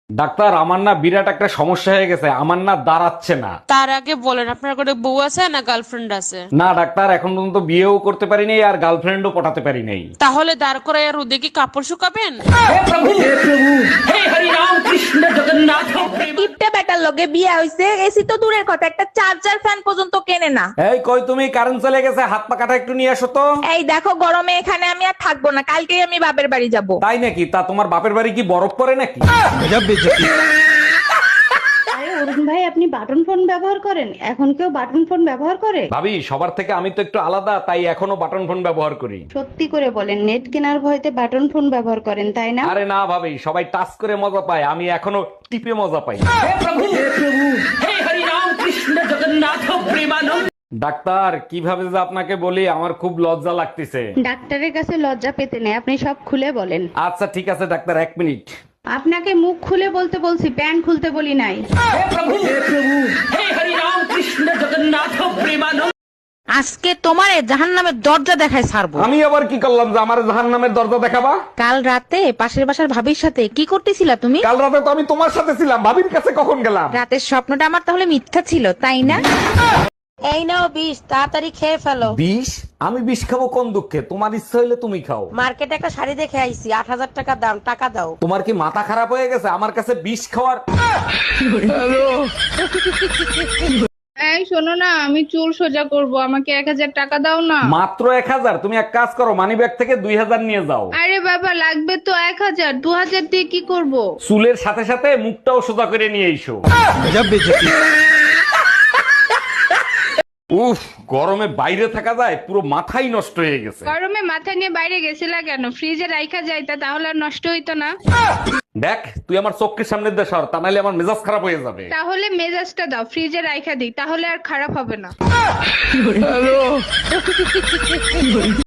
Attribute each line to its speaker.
Speaker 1: Doctor, আমার না বিরাট একটা সমস্যা হয়ে গেছে, আমার না দাঁড়াচ্ছে না।
Speaker 2: তার আগে বলেন আপনার কোনো বউ আছে না গার্লফ্রেন্ড আছে?
Speaker 1: না ডাক্তার, এখন পর্যন্ত বিয়েও করতে পারি নাই আর গার্লফ্রেন্ডও পটাতে পারি নাই।
Speaker 2: তাহলে দাঁড় করে আর রোদে কি কাপড় শুকাবেন?
Speaker 3: কিপটে বেটার লগে বিয়া হইছে, এসি তো দূরের কথা, একটা চার্জার ফ্যান পর্যন্ত কেনে না।
Speaker 1: এই কই তুমি, কারেন্ট চলে গেছে, হাত পা কাটা একটু নিয়ে আসো তো।
Speaker 3: এই দেখো, গরমে এখানে আমি আর থাকবো না, কালকেই আমি বাপের বাড়ি যাব।
Speaker 1: তাই নাকি? তা তোমার বাপের বাড়ি কি বরফ পড়ে নাকি?
Speaker 4: আরে অরুণ ভাই, আপনি বাটন ফোন ব্যবহার করেন? এখন কেউ বাটন ফোন ব্যবহার করে?
Speaker 1: ভাবি, সবার থেকে আমি তো একটু আলাদা, তাই এখনো বাটন ফোন ব্যবহার করি।
Speaker 4: সত্যি করে বলেন, নেট কেনার ভয়তে বাটন ফোন ব্যবহার করেন তাই না?
Speaker 1: আরে না ভাবি, সবাই টাচ করে মজা পায়, আমি এখনো টিপে মজা পাই। ডাক্তার, কিভাবে যে আপনাকে বলি, আমার খুব লজ্জা লাগতেছে।
Speaker 4: ডাক্তারের কাছে লজ্জা পেতে নেই, আপনি সব খুলে বলেন।
Speaker 1: আচ্ছা ঠিক আছে ডাক্তার, 1 মিনিট।
Speaker 4: আপনাকে মুখ খুলে বলতে বলছি, প্যান্ট খুলতে বলি নাই।
Speaker 5: আজকে তোমারে জাহান্নামের দরজা দেখায় ছাড়বো।
Speaker 1: আমি আবার কি করলাম যে আমার জাহান্নামের দরজা দেখাবা?
Speaker 5: কাল রাতে পাশের বাসার ভাবির সাথে কি করতেছিলা তুমি?
Speaker 1: কাল রাতে তো আমি তোমার সাথে ছিলাম, ভাবির কাছে কখন গেলাম?
Speaker 5: রাতের স্বপ্নটা আমার তাহলে মিথ্যা ছিল, তাই না? এই নাও বিষ, তাড়াতাড়ি খেয়ে ফেলো।
Speaker 1: বিষ? আমি বিষ খাবো কোন দুঃখে? তোমার ইচ্ছা হইলে তুমি খাও।
Speaker 5: মার্কেটে একটা শাড়ি দেখে আইছি, 8,000 টাকা দাম, টাকা দাও।
Speaker 1: তোমার কি মাথা খারাপ হয়ে গেছে আমার কাছে বিষ খাওয়ার?
Speaker 6: এই শোনো না, আমি চুল সোজা করব, আমাকে 1000 টাকা দাও না।
Speaker 1: মাত্র 1000? তুমি এক কাজ করো, মানি ব্যাগ থেকে 2000 নিয়ে যাও।
Speaker 6: আরে বাবা, লাগবে তো 1000, 2000 দিয়ে কি করব?
Speaker 1: চুলের সাথে সাথে মুখটাও সোজা করে নিয়ে এসো। উফ, গরমে বাইরে থাকা যায়, পুরো মাথাই নষ্ট হয়ে গেছে।
Speaker 6: গরমে মাথা নিয়ে বাইরে গেছিলা কেন? ফ্রিজে রাইখা যাইতা, তাহলে আর নষ্ট হইতো না।
Speaker 1: দেখ, তুই আমার চোখের সামনে দিয়ে সর, তা নাহলে আমার মেজাজ খারাপ হয়ে যাবে।
Speaker 6: তাহলে মেজাজটা দাও, ফ্রিজে রাইখা দিই, তাহলে আর খারাপ হবে না।